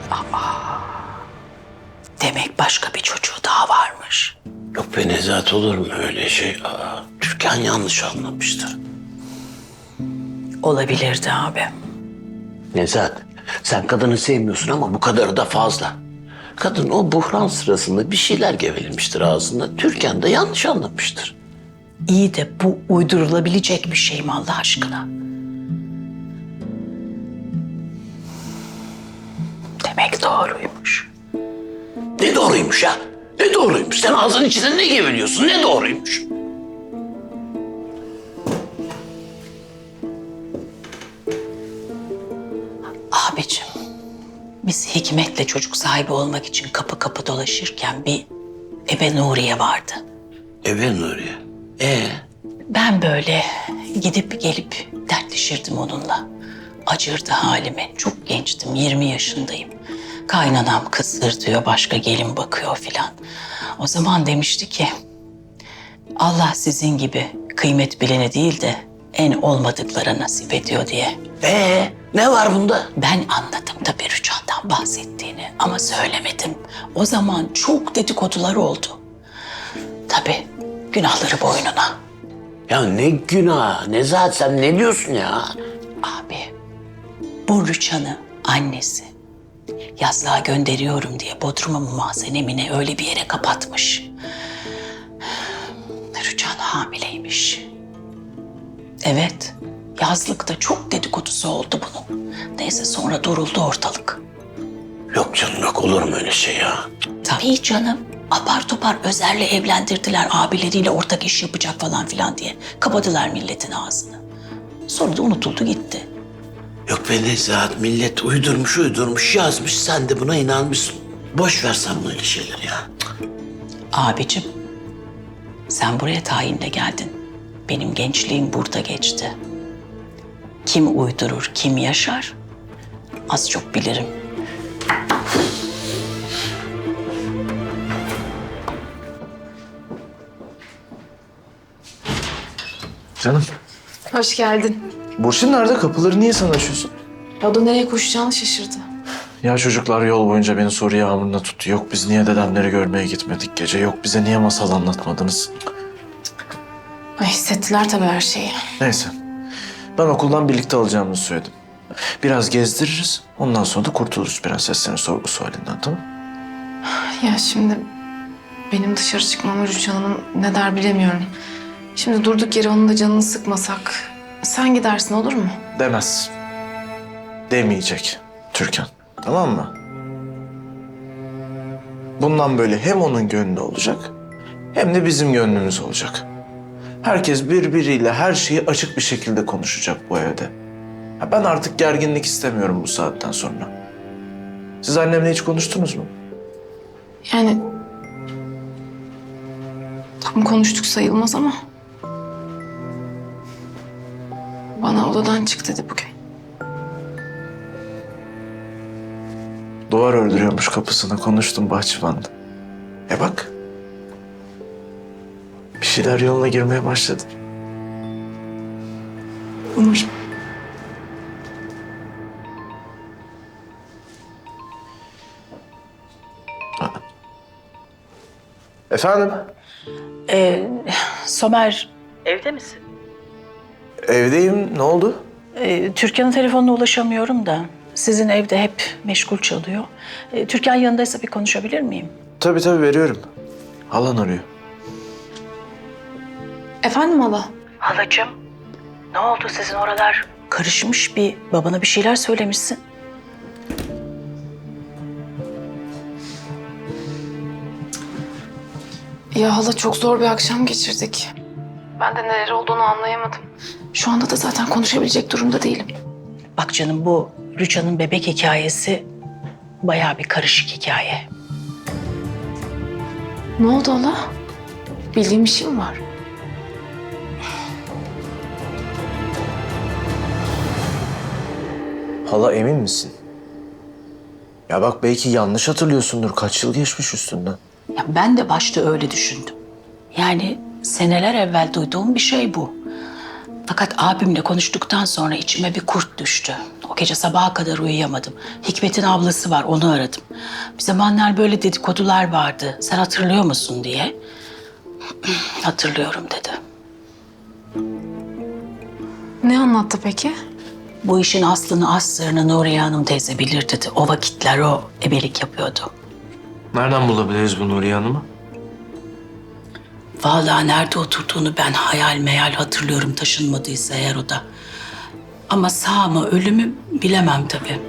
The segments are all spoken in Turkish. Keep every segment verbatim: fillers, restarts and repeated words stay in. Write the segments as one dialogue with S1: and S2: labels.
S1: Demek başka bir çocuğu daha varmış.
S2: Yok be Nezahat, olur mu öyle şey? Aa, Türkan yanlış anlamıştır.
S1: Olabilirdi abi.
S2: Nezahat, sen kadını sevmiyorsun ama bu kadarı da fazla. Kadın o buhran sırasında bir şeyler gevelemiştir ağzında. Türkan da yanlış anlamıştır.
S1: İyi de bu uydurulabilecek bir şey mi Allah aşkına? Demek doğruymuş.
S2: Ne doğruymuş ya? Ne doğruymuş? Sen ağzının içinde ne geveliyorsun? Ne doğruymuş?
S1: Abicim, biz Hikmet'le çocuk sahibi olmak için kapı kapı dolaşırken bir ebe Nuriye vardı.
S2: Eve Nuriye. Ee?
S1: Ben böyle gidip gelip dertleşirdim onunla. Acırdı halime. Çok gençtim, yirmi yaşındayım. Kaynanam kısır diyor, başka gelin bakıyor filan. O zaman demişti ki, Allah sizin gibi kıymet bilene değil de en olmadıklara nasip ediyor diye.
S2: Ee? Ne var bunda?
S1: Ben anladım tabii Rüçhan'dan bahsettiğini ama söylemedim. O zaman çok dedikodular oldu. Tabii günahları boynuna.
S2: Ya ne günah? Nezahat, sen ne diyorsun ya?
S1: Abi, bu Rüçhan'ı annesi yazlığa gönderiyorum diye Bodrum'a mı Mahzenemine öyle bir yere kapatmış. Rüçhan hamileymiş. Evet, yazlıkta çok dedikodusu oldu bunun. Neyse sonra duruldu ortalık.
S2: Yok canım, yok, olur mu öyle şey ya?
S1: Tabii canım. Apar topar Özer'le evlendirdiler, abileriyle ortak iş yapacak falan filan diye. Kapadılar milletin ağzını. Sonra da unutuldu gitti.
S2: Yok be Nezahat, millet uydurmuş uydurmuş yazmış, sen de buna inanmışsın. Boş ver sen böyle şeyleri ya.
S1: Abicim, sen buraya tayinle geldin. Benim gençliğim burada geçti. Kim uydurur, kim yaşar? Az çok bilirim.
S3: Canım,
S4: Hoş geldin.
S3: Burçin nerede? Kapıları niye sen açıyorsun?
S4: O da nereye koşacağını şaşırdı.
S3: Ya çocuklar yol boyunca beni soru yağmuruna tuttu. Yok biz niye dedemleri görmeye gitmedik gece? Yok bize niye masal anlatmadınız?
S4: Ay hissettiler tabii her şeyi.
S3: Neyse. Ben okuldan birlikte alacağımızı söyledim. Biraz gezdiririz. Ondan sonra da kurtuluruz prenseslerin sorgu sualinden, tamam mı?
S4: Ya şimdi benim dışarı çıkmamı Rüçhan Hanım ne der bilemiyorum. Şimdi durduk yere onun da canını sıkmasak. Sen gidersin olur mu?
S3: Demez. Demeyecek Türkan. Tamam mı? Bundan böyle hem onun gönlü olacak hem de bizim gönlümüz olacak. Herkes birbiriyle her şeyi açık bir şekilde konuşacak bu evde. Ya ben artık gerginlik istemiyorum bu saatten sonra. Siz annemle hiç konuştunuz mu?
S4: Yani tam konuştuk sayılmaz ama bana odadan çık dedi bugün.
S3: Duvar ördürüyormuş kapısına, konuştum bahçıvanda. E bak. Bir şeyler yoluna girmeye başladı.
S4: Umarım.
S3: Efendim?
S1: Ee, Somer, evde misin?
S3: Evdeyim. Ne oldu?
S1: Ee, Türkan'ın telefonuna ulaşamıyorum da. Sizin evde hep meşgul çalıyor. Ee, Türkan yanındaysa bir konuşabilir miyim?
S3: Tabii tabii veriyorum. Halan arıyor.
S4: Efendim hala?
S1: Halacığım, ne oldu sizin oralar? Karışmış bir, babana bir şeyler söylemişsin.
S4: Ya hala çok zor bir akşam geçirdik. Ben de neler olduğunu anlayamadım. Şu anda da zaten konuşabilecek durumda değilim.
S1: Bak canım, bu Rüçhan'ın bebek hikayesi bayağı bir karışık hikaye.
S4: Ne oldu hala? Bildiğin bir şey mi var?
S3: Hala emin misin? Ya bak belki yanlış hatırlıyorsundur. Kaç yıl geçmiş üstünden.
S1: Ya ben de başta öyle düşündüm. Yani seneler evvel duyduğum bir şey bu. Fakat abimle konuştuktan sonra içime bir kurt düştü. O gece sabaha kadar uyuyamadım. Hikmet'in ablası var, onu aradım. Bir zamanlar böyle dedikodular vardı. Sen hatırlıyor musun diye. Hatırlıyorum dedi.
S4: Ne anlattı peki?
S1: Bu işin aslını aslarını Nuriye Hanım teyze bilir dedi. O vakitler o ebelik yapıyordu.
S3: Nereden bulabiliriz bu Nuriye Hanım'ı?
S1: Vallahi nerede oturduğunu ben hayal meyal hatırlıyorum, taşınmadıysa eğer o da. Ama sağ mı ölü mü bilemem tabii.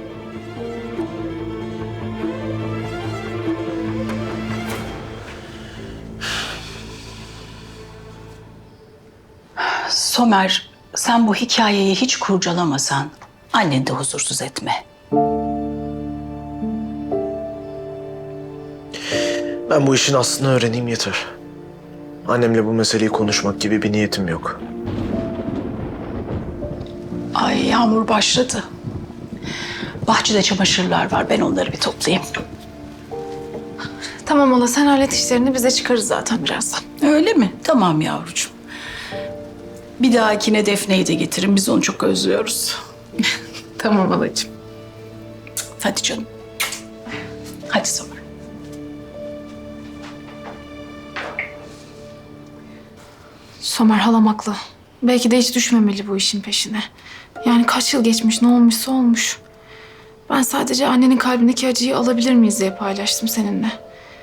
S1: Somer, sen bu hikayeyi hiç kurcalamasan anneni de huzursuz etme.
S3: Ben bu işin aslını öğreneyim yeter. Annemle bu meseleyi konuşmak gibi bir niyetim yok.
S1: Ay yağmur başladı. Bahçede çamaşırlar var, ben onları bir toplayayım.
S4: Tamam hala, sen hallet işlerini, bize çıkarız zaten birazdan.
S1: Öyle mi? Tamam yavrucuğum. Bir dahakine Defne'yi de getirin. Biz onu çok özlüyoruz.
S4: Tamam halacığım.
S1: Hadi canım. Hadi Somer.
S4: Somer halam haklı. Belki de hiç düşmemeli bu işin peşine. Yani kaç yıl geçmiş, ne olmuşsa olmuş. Ben sadece annenin kalbindeki acıyı alabilir miyiz diye paylaştım seninle.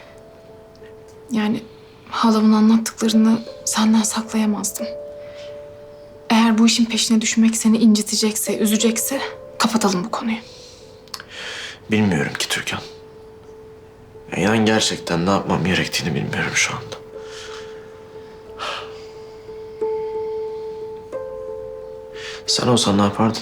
S4: Yani halamın anlattıklarını senden saklayamazdım. Eğer bu işin peşine düşmek seni incitecekse, üzecekse kapatalım bu konuyu.
S3: Bilmiyorum ki Türkan. Ya inan gerçekten ne yapmam gerektiğini bilmiyorum şu anda. Sen olsan ne yapardın?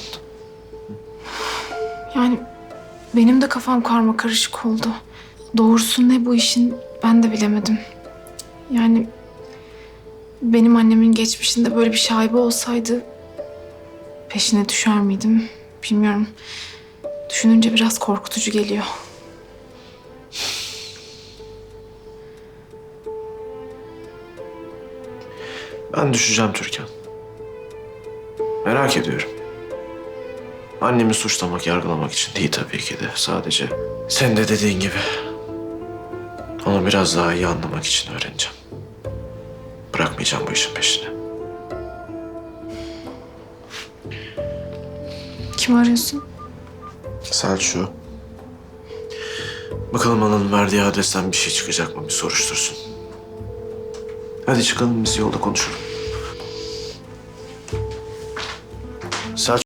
S4: Yani benim de kafam karma karışık oldu. Doğrusu ne bu işin ben de bilemedim. Yani benim annemin geçmişinde böyle bir şaibe olsaydı peşine düşer miydim bilmiyorum. Düşününce biraz korkutucu geliyor.
S3: Ben düşeceğim Türkan. Merak ediyorum. Annemi suçlamak, yargılamak için değil tabii ki de. Sadece sen de dediğin gibi onu biraz daha iyi anlamak için öğreneceğim. Bırakmayacağım bu işin peşini.
S4: Kim arıyorsun?
S3: Selçuk. Bakalım ananın verdiği adresten bir şey çıkacak mı? Bir soruştursun. Hadi çıkalım, biz yolda konuşalım.